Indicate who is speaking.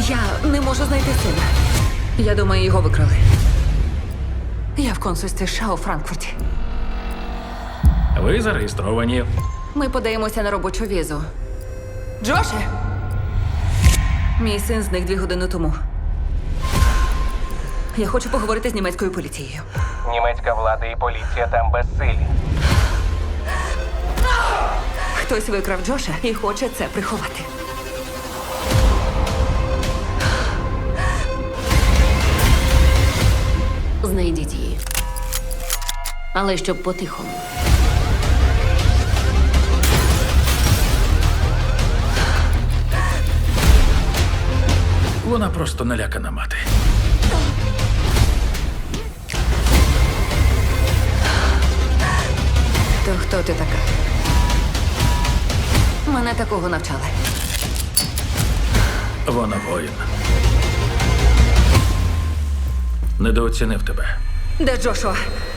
Speaker 1: Я не можу знайти сина. Я думаю, його викрали. Я в консульстві США у Франкфурті.
Speaker 2: Ви зареєстровані.
Speaker 1: Ми подаємося на робочу візу. Джоше! Мій син зник 2 години тому. Я хочу поговорити з німецькою поліцією.
Speaker 3: Німецька влада і поліція там безсилі.
Speaker 1: Хтось викрав Джоша і хоче це приховати.
Speaker 4: Знайдіть її. Але щоб по-тихому.
Speaker 2: Вона просто налякана мати.
Speaker 1: То хто ти така? Мене такого навчали.
Speaker 2: Вона воїн. Недооцінив тебе.
Speaker 1: Де Джошуа?